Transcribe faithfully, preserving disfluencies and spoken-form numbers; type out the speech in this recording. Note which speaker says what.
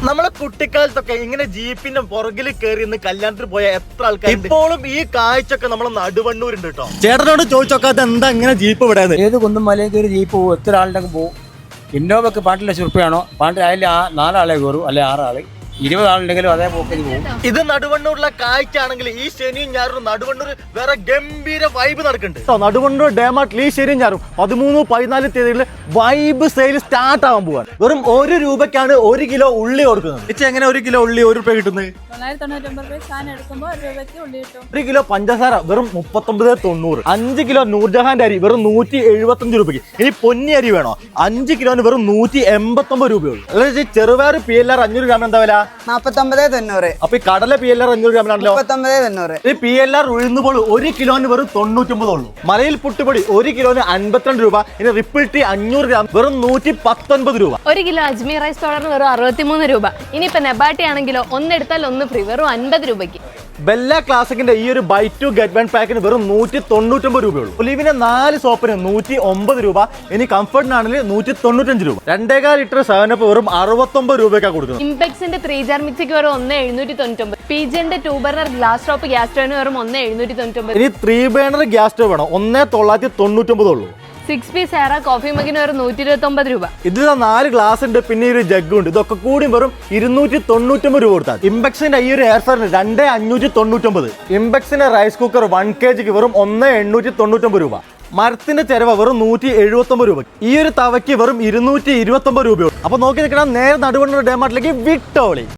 Speaker 1: നമ്മളെ കുട്ടിക്കാലത്തൊക്കെ ഇങ്ങനെ ജീപ്പിന്റെ പുറകിൽ കയറി ഇന്ന് കല്യാണത്തിന് പോയ എത്ര ആൾക്കാർ ഇപ്പോഴും ഈ കാഴ്ചയൊക്കെ നമ്മളെ നടുവണ്ണൂരുണ്ട് കേട്ടോ. ചേട്ടനോട് ചോദിച്ചോക്കാത്ത എന്താ ഇങ്ങനെ ജീപ്പ് വിടാതെ?
Speaker 2: ഏത് കുന്നും മലയിൽ കയറി ജീപ്പ് പോകും, എത്ര ആളുണ്ടെങ്കിൽ പോകും. ഇന്നോവക്ക് പാട്ടിൽ ലക്ഷം റുപ്യാണോ, പാട്ടിൽ അതിൽ ആ നാലാളെ കയറും, അല്ലെ ആറാള്, ഇരുപത് ആളുണ്ടെങ്കിലും അതേ പോക്കിന് പോകും.
Speaker 1: ഇത് നടുവണ്ണൂരിലെ കാഴ്ച ആണെങ്കിൽ ഈ ശനിയും ഞായറും നടുവണ്ണൂർ വേറെ ഗംഭീര വൈബ് നടക്കുന്നുണ്ട്. നടുവണ്ണൂർ ഡേമാർട്ടിൽ ഈ ശനിയും ഞായറും പതിമൂന്ന് പതിനാല് തീയതികളിൽ വൈബ് സെയിൽ സ്റ്റാർട്ട് ആവാൻ പോവാൻ. വെറും ഒരു രൂപയ്ക്കാണ് ഒരു കിലോ ഉള്ളി കൊടുക്കുന്നത്. ഇച്ച എങ്ങനെ ഒരു കിലോ ഉള്ളി ഒരു രൂപ കിട്ടുന്നത്? ഒരു കിലോ പഞ്ചസാര വെറും മുപ്പത്തൊമ്പത് തൊണ്ണൂറ്. അഞ്ച് കിലോ നൂർജഹാന്റെ അരി വെറും നൂറ്റി എഴുപത്തി അഞ്ച് രൂപയ്ക്ക്. ഇനി പൊന്നി അരി വേണോ? അഞ്ച് കിലോന് വെറും നൂറ്റി എൺപത്തി ഒമ്പത് രൂപയുള്ളൂ. അതായത് ചെറുപയർ പി എൽ ആർ അഞ്ഞൂറ് ഗ്രാം എന്താ വില?
Speaker 3: നാപ്പത്തൊമ്പത് തൊണ്ണൂറ്.
Speaker 1: അപ്പൊ ഈ കടല പി എൽ ആർ അഞ്ഞൂറ് ഗ്രാമിലാണല്ലോ
Speaker 3: മുപ്പത്തൊമ്പത് തൊണ്ണൂറ്.
Speaker 1: ഈ പി എൽ ആർ ഉഴുന്നുപോൾ ഒരു കിലോന് വെറും തൊണ്ണൂറ്റൊമ്പത് ഉള്ളൂ. മലയിൽ പുട്ടുപൊടി ഒരു കിലോന് അൻപത്തിരണ്ട് രൂപ. ഇനി റിപ്പിൾ ടീ അഞ്ഞൂറ് ഗ്രാം വെറും നൂറ്റി പത്തൊൻപത് രൂപ.
Speaker 4: ഒരു കിലോ അജ്മീർ റൈസ് പൗഡറിന് വെറും അറുപത്തിമൂന്ന് രൂപ. ഇനിയിപ്പോ നെബാട്ടി ആണെങ്കിലോ ഒന്നെടുത്താൽ ഒന്ന് ഫ്രീ, വെറും അൻപത് രൂപയ്ക്ക്.
Speaker 1: ബെല്ല ക്ലാസിക്കിന്റെ ഈ ഒരു ബൈ ടു ഗെറ്റ് വൺ പാക്കിന് വെറും നൂറ്റി തൊണ്ണൂറ്റൊമ്പത് രൂപയുള്ളൂ. ഒലിവിന്റെ നാല് സോപ്പിന് നൂറ്റി ഒമ്പത് രൂപ. ഇനി കംഫർട്ടിനാണെങ്കിൽ നൂറ്റി തൊണ്ണൂറ്റഞ്ച് രൂപ. രണ്ടേകാൽ ലിറ്റർ സെവനപ്പ് വെറും അറുപത്തൊമ്പത് രൂപയ്ക്കാണ് കൊടുക്കുന്നത്.
Speaker 4: ഇംപെക്സിന്റെ ത്രീ ജാർ മിക്സിക്ക് വെറും ഒന്ന് എഴുന്നൂറ്റി തൊണ്ണൂറ്റൊമ്പത്. പിജിന്റെ two burner glass top gas സ്റ്റോവിന് വെറും ഒന്ന് എഴുന്നൂറ്റി തൊണ്ണൂറ്റൊമ്പത്.
Speaker 1: ഇനി ത്രീ ബർണർ ഗ്യാസ് സ്റ്റോവ് വേണം, ഒന്നേ തൊള്ളായിരത്തി തൊണ്ണൂറ്റൊമ്പത് ഉള്ളൂ.
Speaker 4: സിക്സ് പീസ് ഏറ കോഫി മഗിന് വെറും നൂറ്റി ഇരുപത്തി ഒമ്പത് രൂപ.
Speaker 1: ഇതിൽ നാല് ഗ്ലാസ് ഉണ്ട്, പിന്നെ ഒരു ജഗ് ഉണ്ട്. ഇതൊക്കെ കൂടി വെറും ഇരുന്നൂറ്റി തൊണ്ണൂറ്റൊമ്പത് രൂപ കൊടുത്താൽ. ഇംപെക്സിന്റെ ഈ ഒരു എയർ ഫ്രയറിന് രണ്ടേ അഞ്ഞൂറ്റി തൊണ്ണൂറ്റൊമ്പത്. ഇംപെക്സിന്റെ റൈസ് കുക്കർ വൺ കെ ജിക്ക് വെറും ഒന്ന് എണ്ണൂറ്റി തൊണ്ണൂറ്റൊമ്പത് രൂപ. മരത്തിന്റെ ചെലവ വെറും നൂറ്റി എഴുപത്തി ഒമ്പത് രൂപ. ഈ ഒരു തവയ്ക്ക് വെറും ഇരുന്നൂറ്റി ഇരുപത്തി ഒമ്പത് രൂപയുള്ളൂ. അപ്പൊ നോക്കി നിൽക്കണം, നേരെ നടുവണ്ണൂർ ഡേമാർട്ടിലേക്ക് വിട്ടോളി.